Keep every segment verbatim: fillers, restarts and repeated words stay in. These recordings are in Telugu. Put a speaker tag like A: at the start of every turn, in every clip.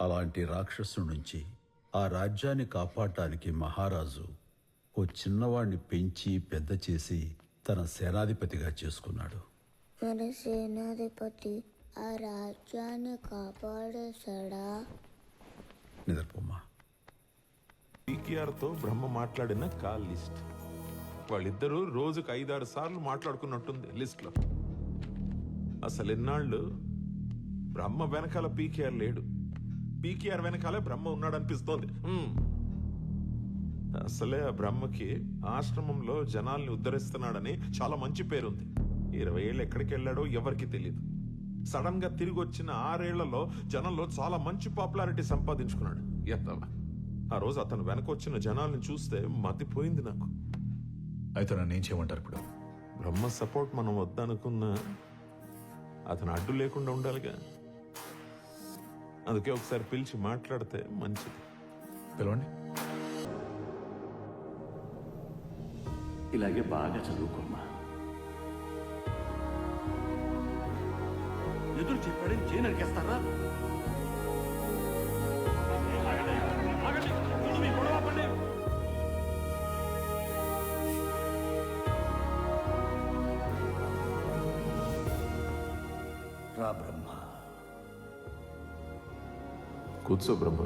A: అలాంటి రాక్షసు నుంచి ఆ రాజ్యాన్ని కాపాడటానికి మహారాజు ఓ చిన్నవాణ్ణి పెంచి పెద్ద చేసి తన సేనాధిపతిగా చేసుకున్నాడు.
B: మన సేనాధిపతి ఆ రాజ్యాన్ని కాపాడేశాడా?
A: నిద్రపోమ్మా.
C: పీకేఆర్తో బ్రహ్మ మాట్లాడిన కాల్ లిస్ట్. వాళ్ళిద్దరూ రోజుకు ఐదారు సార్లు మాట్లాడుకున్నట్టుంది లిస్ట్లో. అసలు ఎన్నాళ్ళు బ్రహ్మ వెనకాల పీకేఆర్ లేడు, పీకేఆర్ వెనకాలే బ్రహ్మ ఉన్నాడనిపిస్తోంది. అసలే ఆ బ్రహ్మకి ఆశ్రమంలో జనాల్ని ఉద్ధరిస్తున్నాడని చాలా మంచి పేరుంది. ఇరవై ఏళ్ళు ఎక్కడికి వెళ్ళాడో ఎవరికి తెలియదు. సడన్ గా తిరిగి వచ్చిన ఆరేళ్లలో జనంలో చాలా మంచి పాపులారిటీ సంపాదించుకున్నాడు. ఎత్తవా ఆ రోజు అతను వెనకొచ్చిన జనాల్ని చూస్తే మతిపోయింది నాకు.
D: అయితే నన్ను ఏం చేయమంటారు ఇప్పుడు?
C: బ్రహ్మ సపోర్ట్ మనం వద్దనుకున్నా అతను అడ్డు లేకుండా ఉండాలిగా. అందుకే ఒకసారి పిలిచి మాట్లాడితే మంచిది.
D: పిలవండి.
E: ఇలాగే బాగా చదువుకోమ్మా. ఎదురు చెప్పాడని చేయి నరికేస్తారా? రా బ్రహ్మ.
C: కూర్చో బ్రహ్మ.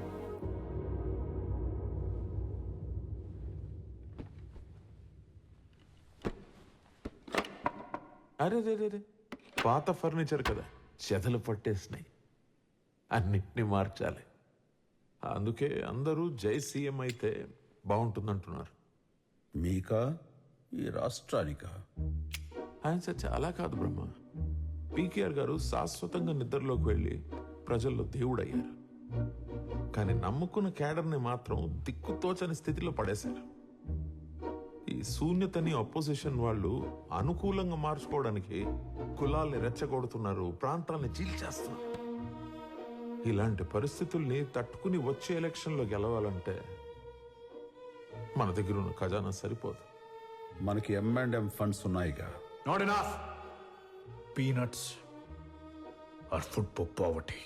C: అరే రే రే పాత ఫర్నిచర్ కదా, చెదలు పట్టేసినాయి. అన్నిటినీ మార్చాలి. అందుకే అందరూ జై సీఎం అయితే బాగుంటుందంటున్నారు.
A: మీకా ఈ రాష్ట్రానికా?
C: ఆయన సార్ చాలా కాదు బ్రహ్మ. పీకేఆర్ గారు శాశ్వతంగా నిద్రలోకి వెళ్ళి ప్రజల్లో దేవుడయ్యారు. కానీ నమ్ముకున్న క్యాడర్ని మాత్రం దిక్కుతోచని స్థితిలో పడేశారు. ఈ శూన్యతని అపోజిషన్ వాళ్ళు అనుకూలంగా మార్చుకోవడానికి కులాల్ని రెచ్చగొడుతున్నారు, ప్రాంతాలని చీల్చేస్తున్నారు. ఇలాంటి పరిస్థితుల్ని తట్టుకుని వచ్చే ఎలక్షన్లో గెలవాలంటే మన దగ్గర ఉన్న ఖజానా సరిపోదు.
A: మనకి ఎం అండ్ ఎం ఫండ్స్ ఉన్నాయిగా.
D: Not enough. Peanuts are food for poverty,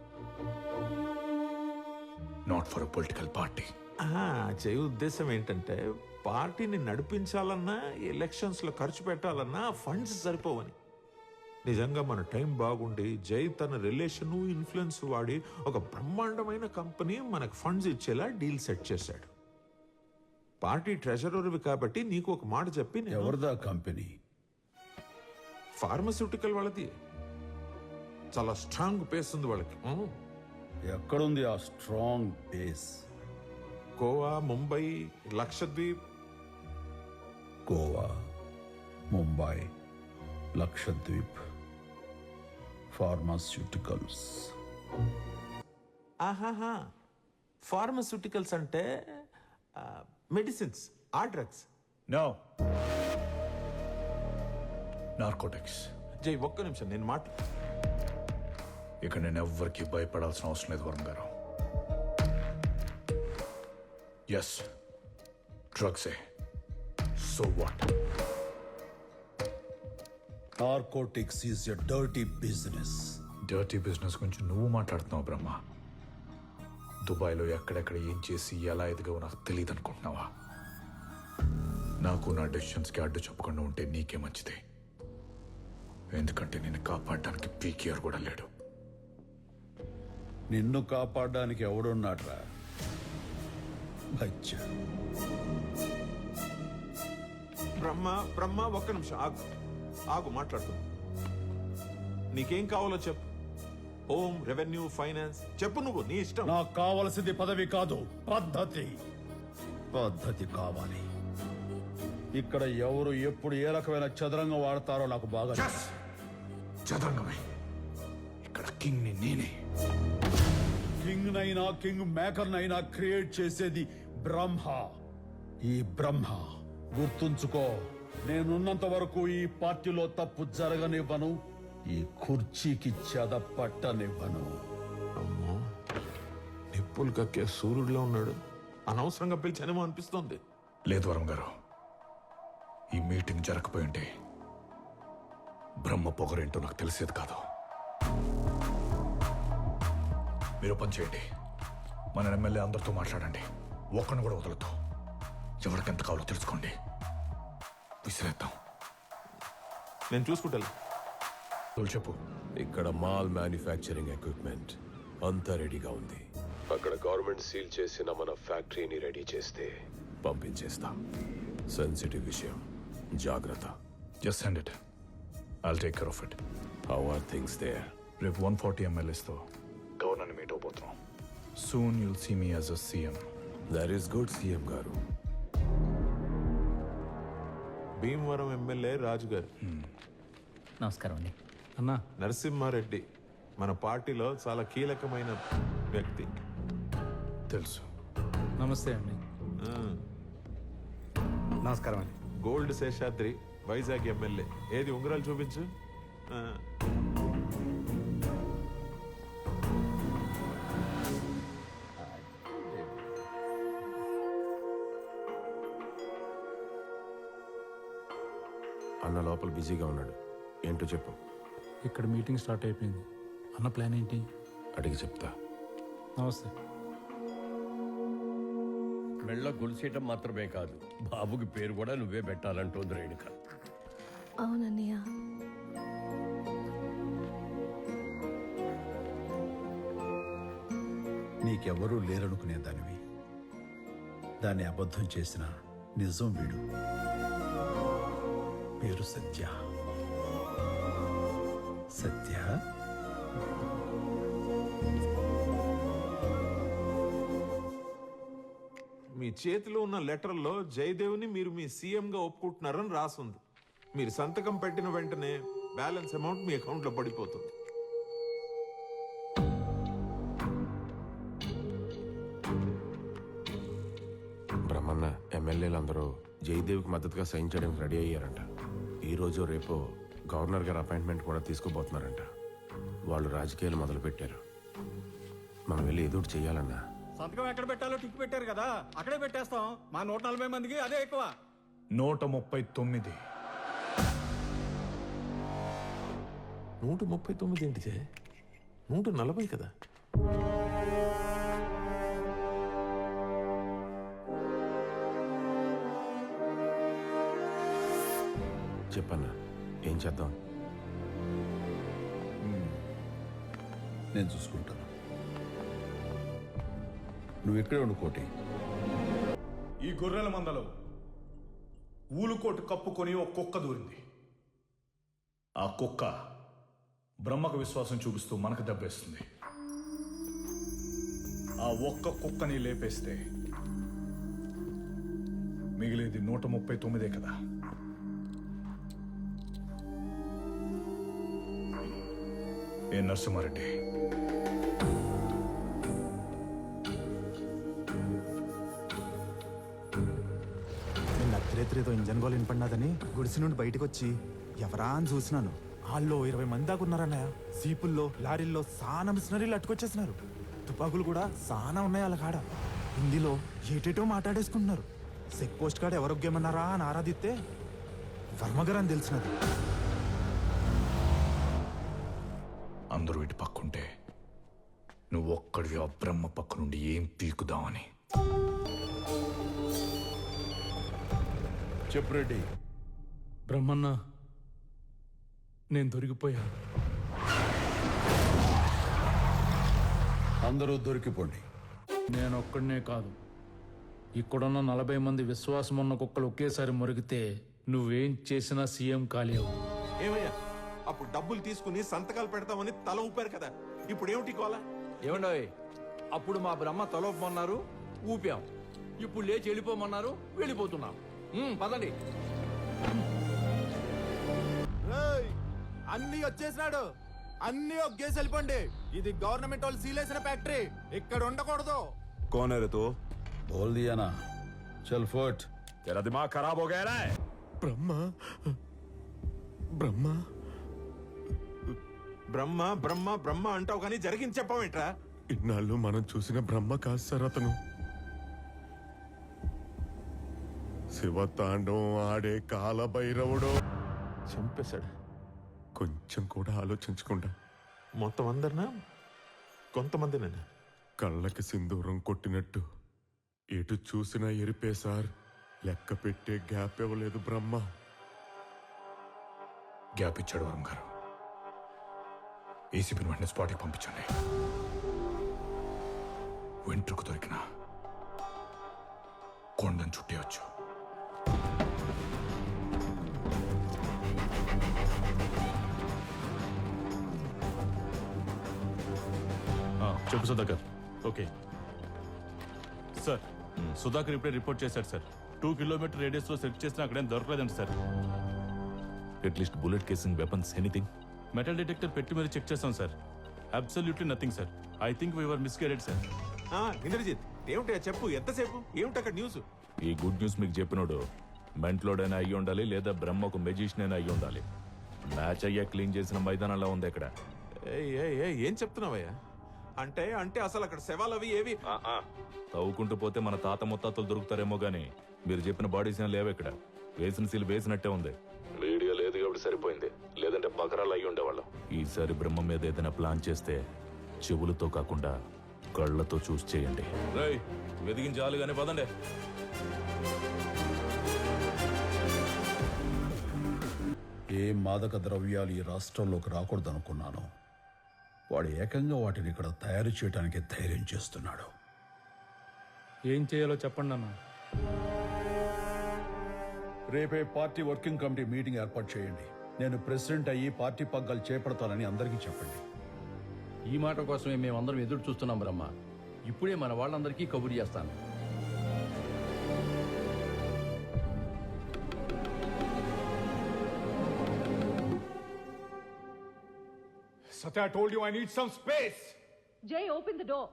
D: not for a political party.
C: చేయ ఉద్దేశం ఏంటంటే పార్టీని నడిపించాలన్నా ఎలక్షన్స్ లో ఖర్చు పెట్టాలన్నా ఫండ్స్ సరిపోవని. నిజంగా మన టైం బాగుండి జై తన రిలేషన్ ఇన్ఫ్లుయెన్స్ వాడి ఒక బ్రహ్మాండమైన కంపెనీ మనకు ఫండ్స్ ఇచ్చేలా డీల్ సెట్ చేశాడు. పార్టీ ట్రెజరర్వి కాబట్టి నీకు ఒక మాట చెప్పి,
A: ఎవరిదా కంపెనీ?
C: ఫార్మస్యూటికల్ వాళ్ళది. చాలా స్ట్రాంగ్ బేస్ ఉంది వాళ్ళకి.
A: ఎక్కడుంది ఆ strong base?
C: Goa, Mumbai, Lakshadweep.
A: Goa, Mumbai, Lakshadweep, pharmaceuticals.
C: ఆహాహా, ఫార్మస్యూటికల్స్ అంటే మెడిసిన్స్, ఆ డ్రగ్స్.
D: No, narcotics.
C: జై ఒక్క నిమిషం నేను మాట.
D: ఇక నేను ఎవ్వరికి భయపడాల్సిన అవసరం లేదు వరుణ్ గారు. ఎస్, డ్రగ్సే. So what?
A: Narcotics is a dirty business.
D: Dirty business గురించి నువ్వు మాట్లాడుతున్నావు బ్రహ్మ. దుబాయ్లో ఎక్కడెక్కడ ఏం చేసి ఎలా ఎదిగావో నాకు తెలియదు అనుకుంటున్నావా? నాకు నా డెసిషన్స్కి అడ్డు చెప్పకుండా ఉంటే నీకే మంచిది. ఎందుకంటే నేను కాపాడడానికి పీకేఆర్ కూడా లేడు.
A: నిన్ను కాపాడడానికి ఎవడున్నాడ్రా? బచ్చా.
C: బ్రహ్మ బ్రహ్మ ఒక్క నిమిషం ఆగు ఆగు మాట్లాడుతూ. నీకేం కావాలో చెప్పు. హోమ్, రెవెన్యూ, ఫైనాన్స్ చెప్పు, నువ్వు నీ ఇష్టం.
A: నాకు కావలసింది పదవి కాదు, పద్ధతి. పద్ధతి కావాలి. ఇక్కడ ఎవరు ఎప్పుడు ఏ రకమైన చదరంగం వాడతారో నాకు బాగా తెలుసు.
D: చదరంగమే. ఇక్కడ కింగ్ ని నేనే.
A: కింగ్ నైనా కింగ్ మేకర్ నైనా క్రియేట్ చేసేది బ్రహ్మ. ఈ బ్రహ్మ గుర్తుంచుకో, నేనున్నంత వరకు ఈ పార్టీలో తప్పు జరగనివ్వను, ఈ కుర్చీకి చెద పట్టనివ్వను.
C: అమ్మో, నిప్పులు కక్కే సూర్యుడిలో ఉన్నాడు. అనవసరంగా పిలిచానేమో అనిపిస్తోంది.
D: లేదు వరం గారు, ఈ మీటింగ్ జరగకపోయి ఉంటే బ్రహ్మ పొగరేంటో నాకు తెలిసేది కాదు. మీరు పని చేయండి, మన ఎమ్మెల్యే అందరితో మాట్లాడండి, ఒక్కడిని కూడా వదలొద్దు. ఎవరికి ఎంత కావాలో తెలుసుకోండి, విసిరేద్దాం.
C: నేను చూసుకుంటా.
D: తోలు చెప్పు.
F: ఇక్కడ మాల్ మ్యానుఫ్యాక్చరింగ్ ఎక్విప్మెంట్ అంతా రెడీగా ఉంది. అక్కడ గవర్నమెంట్ సీల్ చేసిన మన ఫ్యాక్టరీని రెడీ చేస్తే పంపించేస్తా. సెన్సిటివ్ విషయం, జాగ్రత్త.
D: Just send it, I'll take care of it.
F: How are things there?
D: రేపు వన్ ఫార్టీ ఎమ్మెల్యేస్తో గవర్నర్ని మీట్ అవబోతున్నాం. Soon you'll see me as a CM.
F: That is good CM garu.
C: Bhimavaram MLA రాజు గారు.
G: నమస్కారం అండి. అన్నా,
C: నరసింహారెడ్డి మన పార్టీలో చాలా కీలకమైన వ్యక్తి.
D: తెలుసు.
G: నమస్తే అండి.
C: ఆ,
H: నమస్కారం అండి.
C: Gold Seshadri Vizag MLA. ఏది ఉంగరాలు చూపించు. ఆ,
F: అన్న లోపల బిజీగా ఉన్నాడు, ఏంటో చెప్పు.
G: ఇక్కడ మీటింగ్ స్టార్ట్ అయిపోయింది. అన్న ప్లాన్ ఏంటి?
F: అడిగి చెప్తా.
G: నమస్తే.
E: మెళ్ళ గొలుసేయటం మాత్రమే కాదు, బాబుకి పేరు కూడా నువ్వే పెట్టాలంటోంది రేణుక.
I: అవునన్నయ్య.
A: నీకెవరూ లేరనుకునే దానివి, దాన్ని అబద్ధం చేసిన నిజం వీడు. పేరు సత్య. సత్య
C: మీ చేతిలో ఉన్న లెటర్లో జయదేవ్ని మీరు మీ సీఎంగా ఒప్పుకుంటున్నారని రాసుంది. మీరు సంతకం పెట్టిన వెంటనే బ్యాలెన్స్ అమౌంట్ మీ అకౌంట్లో పడిపోతుంది.
F: బ్రహ్మన్న ఎమ్మెల్యేలందరూ జయదేవ్కి మద్దతుగా సైన్ చేయడానికి రెడీ అయ్యారంట. ఈ రోజు రేపు గవర్నర్ గారు అపాయింట్మెంట్ కూడా తీసుకోబోతున్నారంట. వాళ్ళు రాజకీయాలు మొదలుపెట్టారు. మనం వెళ్ళి ఎదురు చెయ్యాలన్నా.
H: సంతకం ఎక్కడ పెట్టాలో టిక్ పెట్టారు కదా, అక్కడే పెట్టేస్తాం. మా నూట నలభై మందికి అదే ఎక్కువ.
D: నూట ముప్పై తొమ్మిది.
C: నూట ముప్పై తొమ్మిది ఏంటిదే? నూట నలభై కదా.
F: చెప్పన్నా, ఏం చేద్దాం?
A: నేను చూసుకుంటాను, నువ్వు ఇక్కడే ఉండు కోటి.
D: ఈ గొర్రెల మందలో ఊలుకోటు కప్పుకొని ఒక కుక్క దూరింది. ఆ కుక్క బ్రహ్మకు విశ్వాసం చూపిస్తూ మనకు దెబ్బేస్తుంది. ఆ ఒక్క కుక్కని లేపేస్తే మిగిలేది నూట ముప్పై తొమ్మిదే కదా. ఏ నరసింహారెడ్డి,
J: నిన్న అర్ధరేత్రేదో ఇంజన్ గోల్ వినపడినాదని గుడిసి నుండి బయటకు వచ్చి ఎవరా అని చూసినాను. వాళ్ళు ఇరవై మంది దాకా ఉన్నారన్నయ్య. సీపుల్లో, లారీల్లో సానా మిషనరీలు అట్టుకొచ్చేసినారు. తుపాకులు కూడా సానా ఉన్నాయి వాళ్ళ కాడ. హిందీలో ఏటేటో మాట్లాడేసుకుంటున్నారు. చెక్ పోస్ట్ కాడ ఎవరొగ్గేమన్నారా అని ఆరాధిస్తే వర్మగారు అని తెలిసినది.
D: అందరూ ఇటు పక్కుంటే నువ్వు ఒక్కడివి ఆ బ్రహ్మ పక్క నుండి ఏం పీకుదామని.
A: చెప్పు రెడ్డి.
G: బ్రహ్మన్న, నేను దొరికిపోయాను.
A: అందరూ దొరికిపోండి.
G: నేను ఒక్కడనే కాదు, ఇక్కడున్న నలభై మంది విశ్వాసం ఉన్న కుక్కలు ఒకేసారి మురిగితే నువ్వేం చేసినా సీఎం కాలేవు.
C: ఏమయ్యా, అప్పుడు డబ్బులు తీసుకుని సంతకాలు పెడతామని తల ఊపారు కదా, ఇప్పుడు ఏమిటి కోలా?
K: ఏమండోయ్, అప్పుడు మా బ్రహ్మ తలొప్పమన్నారు, ఊపాం. ఇప్పుడు లేచి వెళ్ళిపోమన్నారు, వెళ్ళిపోతున్నాం. ఉమ్, పదండి.
J: అన్ని వచ్చేసినాడు. అన్ని ఒగ్గేసి వెళ్ళిపోండి. ఇది గవర్నమెంట్ వాళ్ళు సీలేసిన ఫ్యాక్టరీ, ఇక్కడ ఉండకూడదు.
F: कौन है रे तू?
A: बोल दिया ना, चल फुट.
F: तेरा दिमाग खराब हो गया है?
C: బ్రహ్మ బ్రహ్మ బ్రహ్మ బ్రహ్మ బ్రహ్మ అంటావు కానీ జరిగింది చెప్పవేంట్రా?
F: ఇన్నాళ్ళు మనం చూసిన బ్రహ్మ కాదు సార్ అతను. శివతాండవం ఆడే కాలభైరవుడు.
C: చంపేశాడు.
F: కొంచెం కూడా ఆలోచించకుండా
C: మొత్తం అందరినా కొంతమందినైనా
F: కళ్ళకి సింధూరం కొట్టినట్టు ఎటు చూసినా ఎరిపే సార్. లెక్క పెట్టే గ్యాప్ ఇవ్వలేదు బ్రహ్మ.
D: గ్యాప్ ఇచ్చాడు వరం గారు. ఏసీపీని వెంటనే స్పాట్కి పంపించండి. వెంట్రుకు దొరికిన కొండను చుట్టేయచ్చు.
L: చెప్పు సుధాకర్. ఓకే సార్, సుధాకర్ ఇప్పుడే రిపోర్ట్ చేశాడు సార్. టూ కిలోమీటర్ రేడియస్ లో సెర్చ్ చేసినా అక్కడేం దొరకలేదండి sir.
M: At least bullet casing weapons anything?
L: Metal detector పెట్టి మరి చెక్ చేస్తాం sir. Absolutely nothing sir. I think we're misguided sir.
C: Indrajit, ఏమిటా చెప్పు, ఎంతసేపు ఏమిటి అక్కడ న్యూస్?
M: ఈ గుడ్ న్యూస్ మీకు చెప్పినోడు మెంట్లోడైనా అయ్యి ఉండాలి, లేదా బ్రహ్మకు మెజిషియన్ అయినా అయ్యి ఉండాలి. మ్యాచ్ అయ్యా క్లీన్ చేసిన మైదానంలో ఉంది ఇక్కడ.
C: ఏయ్, ఏయ్, ఏయ్, ఏం చెప్తున్నావయ్యా? అంటే అంటే అసలు అక్కడ శవాలు అవి ఏవి?
M: తవ్వుకుంటూ పోతే మన తాత ముత్తాతలు దొరుకుతారేమో గానీ మీరు చెప్పిన బాడీస్ ఏం లేవు ఇక్కడ. వేసిన సీల్ వేసినట్టే ఉంది. వీడియో లేదు కాబట్టి సరిపోయింది, లేదంటే బకరాలు అయ్యి ఉండేవాళ్ళం. ఈసారి బ్రహ్మ మీద ఏదైనా ప్లాన్ చేస్తే చెవులతో కాకుండా కళ్ళతో చూసి చేయండి. రేయ్, వెదిగించాలి కానీ పదండి.
A: ఏ మాదక ద్రవ్యాలు ఈ రాష్ట్రంలోకి రాకూడదనుకున్నాను, వాడు ఏకంగా వాటిని ఇక్కడ తయారు చేయడానికి ధైర్యం చేస్తున్నాడు.
G: ఏం చేయాలో చెప్పండి అన్న.
A: రేపే పార్టీ వర్కింగ్ కమిటీ మీటింగ్ ఏర్పాటు చేయండి. నేను ప్రెసిడెంట్ అయ్యి పార్టీ పగ్గాలు చేపడతానని అందరికీ చెప్పండి.
E: ఈ మాట కోసమే మేమందరం ఎదురు చూస్తున్నాం బ్రహ్మ. ఇప్పుడే మన వాళ్ళందరికీ కబురు చేస్తాను.
D: Satya, I told you I need some space.
I: Jay, open the door.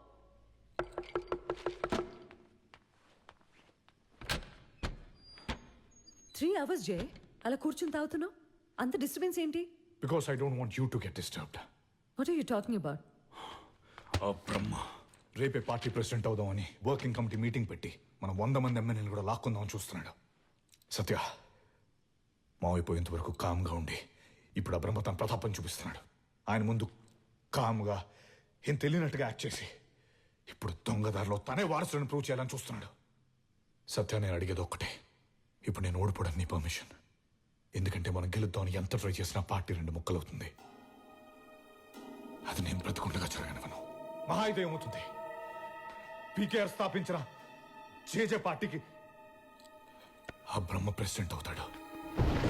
I: Three hours Jay అలా కూర్చుని తాగుతున్నావు. అంత డిస్టర్బెన్స్ ఏంటి?
D: Because I don't want you to get disturbed.
I: What are you talking about?
D: ఆ బ్రహ్మ రేపే పార్టీ ప్రెసిడెంట్ అవుదామని వర్కింగ్ కమిటీ మీటింగ్ పెట్టి మనం వంద మంది ఎమ్మెల్యేలు కూడా లాక్కుందామని చూస్తున్నాడు. సత్య, మావైపోయేంత వరకు కామ్గా ఉండి ఇప్పుడు ఆ బ్రహ్మ తన ప్రతాపం చూపిస్తున్నాడు. ఆయన ముందు కామ్గా ఏం తెలియనట్టుగా యాక్ట్ చేసి ఇప్పుడు దొంగదారిలో తనే వారసులను ప్రూవ్ చేయాలని చూస్తున్నాడు. సత్య, నేను అడిగేది ఒక్కటే, ఇప్పుడు నేను ఓడిపోవడానికి నీ పర్మిషన్. ఎందుకంటే మనం గెలుద్దామని ఎంత ట్రై చేసినా పార్టీ రెండు ముక్కలవుతుంది. అది నేను బ్రతుకుండగా జరగనివ్వను. మహా అయితే ఏమవుతుంది, పీకేఆర్ స్థాపించిన జేజే పార్టీకి ఆ బ్రహ్మ ప్రెసిడెంట్ అవుతాడు.